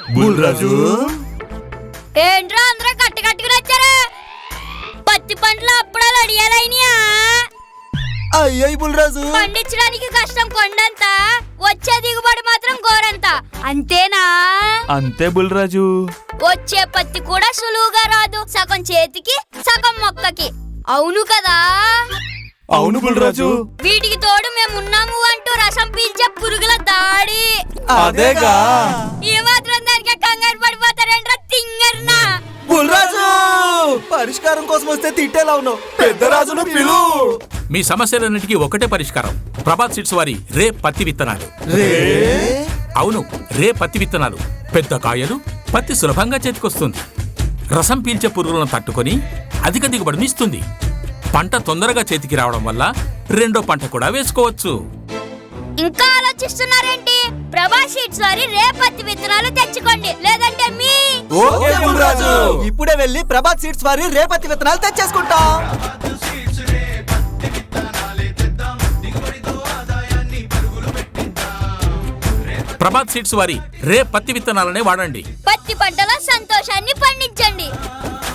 బుల్రాజు ఏంట్రా అందరూ కట్టుకట్టుకుని వచ్చారా? పత్తి పంటలు అప్పుడాలు అడియాలైనయా? అయ్యాయి బుల్రాజు. పండించడానికి కష్టం కొండంత, వచ్చే దిగుబడి మాత్రం గోరంత, అంతేనా? అంతే బుల్రాజు. వచ్చే పత్తి కూడా సులువుగా రాదు, సగం చేతికి సగం మొక్కకి, అవును కదా? అవును బుల్రాజు. వీటికి తోడు మేమున్నాము అంటూ రసం పీల్చే పురుగుల దాడి. అదేగా ఈ మాత్రం దానికి కంగారు పడిపోతారేంట్రా తింగర్నా? బుల్రాజు పరిష్కారం కోసం వస్తే తిట్టేలా ఉన్నావు. పెద్ద రాజును పిలు. మీ సమస్యలన్నిటికీ ఒకటే పరిష్కారం. ప్రభాత్ సీడ్స్ వారి రే పత్తి విత్తనాలు. అవును, రే పత్తి విత్తనాలు. పెద్ద కాయలు, పత్తి సులభంగా చేతికొస్తుంది. రసం పీల్చే పురుగులను తట్టుకొని అధిక దిగుబడిని ఇస్తుంది. పంట తొందరగా చేతికి రావడం వల్ల రెండో పంట కూడా వేసుకోవచ్చు. ఇంకా ఆలోచిస్తున్నారేంటి? ప్రభాత్ సీడ్స్ వారి రే పత్తి విత్తనాలు తెచ్చుకోండి, లేదంటే మీ ఓకే బుల్రాజు, ఇప్పుడే వెళ్ళి ప్రభాత్ సీడ్స్ వారి రేపతి విత్తనాలు తెచ్చేసుకుంటాం. ప్రభాత్ సీడ్స్ వారి రే పత్తి విత్తనాలనే వాడండి. పత్తి పంటలో సంతోషాన్ని పండించండి.